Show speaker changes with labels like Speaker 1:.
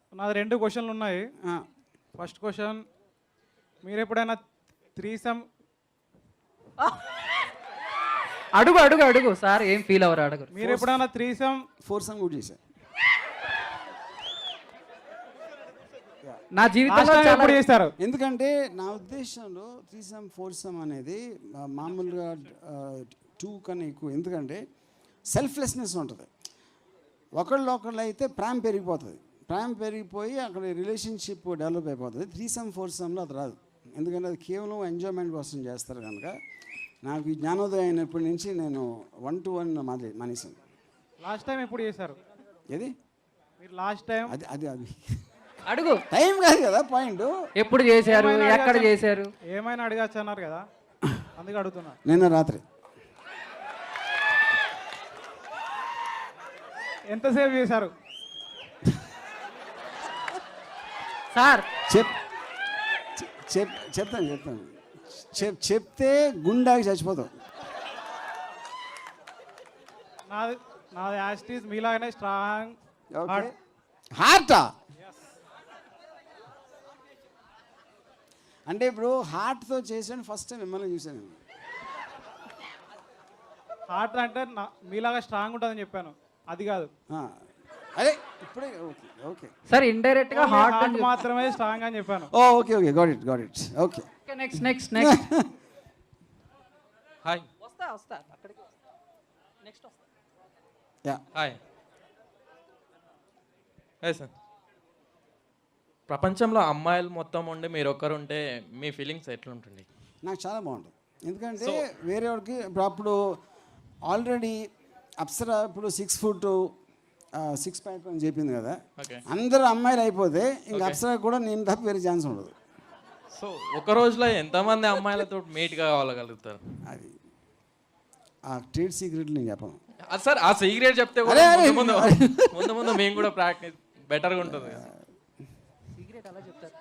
Speaker 1: నాది 2 క్వశ్చన్లు ఉన్నాయి. ఫస్ట్ క్వశ్చన్, మీరు ఎప్పుడైనా త్రీసమ్
Speaker 2: అడుగు అడుగు అడుగు సార్, ఏం ఫీల్ అవ్వరు, అడుగు.
Speaker 1: మీరు ఎప్పుడైనా త్రీసమ్
Speaker 3: ఫోర్సమ్ కూడా చేశాను
Speaker 2: నా జీవితంలో
Speaker 1: ఎప్పుడు చేస్తారు?
Speaker 3: ఎందుకంటే నా ఉద్దేశంలో త్రీసమ్ ఫోర్సమ్ అనేది మామూలుగా 2 కన్నా ఎక్కువ. ఎందుకంటే సెల్ఫ్లెస్నెస్ ఉంటుంది. ఒకళ్ళు అయితే ప్రేమ పెరిగిపోతుంది. ప్రేమ పెరిగిపోయి అక్కడ రిలేషన్షిప్ డెవలప్ అయిపోతుంది. త్రీసమ్ ఫోర్సమ్లో అది రాదు. ఎందుకంటే అది కేవలం ఎంజాయ్మెంట్ కోసం చేస్తారు కనుక. నాకు ఈ జ్ఞానోదయం అయినప్పటి నుంచి నేను 1-to-1 మానేశాను.
Speaker 1: లాస్ట్ టైం ఎప్పుడు చేశారు?
Speaker 3: ఏది
Speaker 1: మీరు లాస్ట్ టైం?
Speaker 3: అది
Speaker 2: అడుగు.
Speaker 3: టైం కాదు కదా పాయింట్.
Speaker 2: ఎప్పుడు చేశారు, ఎక్కడ చేశారు?
Speaker 1: ఏమైనా అడగచ్చు అన్నారు కదా, అందుకే అడుగుతున్నా.
Speaker 3: నిన్న రాత్రి.
Speaker 1: ఎంతసేపు చేశారు
Speaker 2: సార్?
Speaker 3: చెప్తాను చెప్తే గుండాకి చచ్చిపోతాం.
Speaker 1: నాది యాస్టీస్ మీలాగానే స్ట్రాంగ్
Speaker 3: హార్టా. అంటే ఇప్పుడు హార్ట్తో చేసాను ఫస్ట్ టైం మిమ్మల్ని చూసాను.
Speaker 1: హార్ట్ అంటే మీలాగా స్ట్రాంగ్ ఉంటుందని చెప్పాను, అది కాదు.
Speaker 3: అదే ఇప్పుడే ఓకే
Speaker 2: సార్ ఇండైరెక్ట్ గా హార్ట్
Speaker 1: మాత్రమే స్ట్రాంగ్ అని చెప్పాను.
Speaker 3: Okay got it okay.
Speaker 2: Next
Speaker 4: hi.
Speaker 2: వస్తా అక్కడికి నెక్స్ట్ వస్తా.
Speaker 3: Yeah
Speaker 4: hi sir. ప్రపంచంలో అమ్మాయిలు మొత్తం ఉండి మీరు ఒక్కరుంటే మీ ఫీలింగ్స్ ఎట్లుంటుంది?
Speaker 3: నాకు చాలా బాగుంటుంది. ఎందుకంటే వేరే వాడికి అప్పుడు ఆల్రెడీ అప్సరా ఇప్పుడు 6 foot 6 pack అని చెప్పింది కదా. అందరూ అమ్మాయిలు అయిపోతే ఇంకా అప్సరా కూడా నేను తప్ప వేరే ఛాన్స్ ఉండదు.
Speaker 4: సో ఒక రోజులో ఎంతమంది అమ్మాయిలతో మీట్గా కావాలగలుగుతారు?
Speaker 3: అది ఆ ట్రేడ్ సీక్రెట్ నేను చెప్పను
Speaker 4: సార్. ఆ సీక్రెట్ చెప్తే ముందు మేము కూడా ప్రాక్టీస్ బెటర్గా ఉంటుంది.
Speaker 2: సీక్రెట్ అలా చెప్తారు.